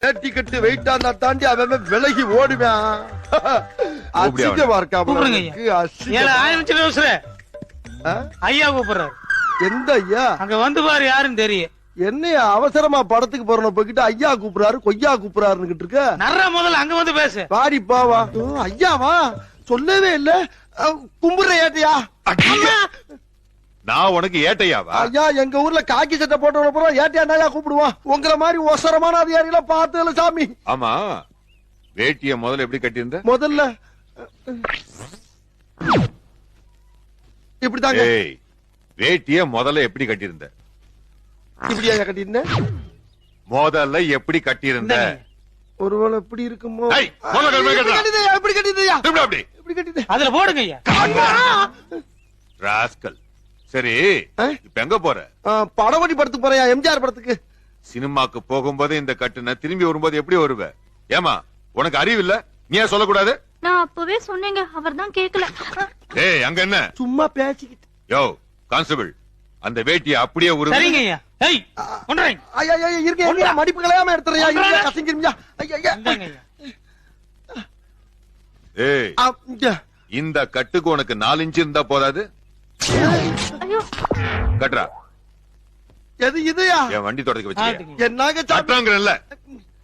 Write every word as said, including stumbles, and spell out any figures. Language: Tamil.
வேட்டி கட்டு வெயிட்டா இருந்தா தாண்டி அவன் விலகி ஓடுவான். அசிங்கமா இருக்கா? ஐயா கூப்பிடுறாரு. எந்த ஐயா? அங்க வந்து பாரு யாருன்னு தெரியும். என்னையா அவசரமா படத்துக்கு போறோம் போய்கிட்டு ஐயா கூப்பிடுறாரு கொய்யா கூப்பிடுறாருன்னு இருக்க. நர்ற முதல்ல அங்க வந்து பேசு. பாடி பாவா. ஐயாவா சொல்லவே இல்ல. கும்புற ஏட்டையா? நான் உனக்கு ஏட்டையாவா? ஐயா எங்க ஊர்ல காக்கி சட்டை போட்டு போறோம் ஏட்டையா நாயா கூப்பிடுவான். உங்களை மாதிரி ஒசரமான அதிகாரிகள பார்த்ததுல சாமி. ஆமா வேட்டிய முதல்ல எப்படி கட்டியிருந்த? முதல்ல இப்படிதாங்க. வேட்டிய முதல்ல எப்படி கட்டியிருந்த? இப்படியா கட்டியிருந்தேன்? முதல்ல எப்படி கட்டியிருந்த? ஒருவேளை எப்படி இருக்குமோ? எப்படி கட்டியிருந்தியா? எப்படி கட்டியிருந்த? அதுல போடுங்க ஐயா. ராஸ்கல். சரி இப்ப எங்க போற? படவடி படத்துக்கு போறியா? எம்ஜிஆர் படத்துக்கு. சினிமாக்கு போகும்போது இந்த கட்டுன திரும்பி வரும்போது எப்படி வருவ? ஏமா உனக்கு அறிவு இல்ல? நீ ஏன் சொல்லக்கூடாது? நான் அப்பவே சொன்னேங்க, அவர் தான் கேக்கல. ஏய் அங்க என்ன சும்மா பேசிக்கிட்டு. யோ கான்ஸ்டபிள் அந்த வேட்டியை அப்படியே உருவு. சரிங்க ஐயா. ஏய் ஒன்றேன். ஐயா ஐயா இருங்க மடிப்பு கலையாம எடுத்துறியா? இருங்க கசங்கிருமியா. ஐயா ஐயா. ஏய் இந்த கட்டுக்கு உனக்கு நாலு இன்ச்சு இருந்தா போதாது? ஐயோ கட்டுறா. எது இதுயா? என் வண்டி தொடக்க வச்சு என்னங்க கட்டுறாங்கல்ல.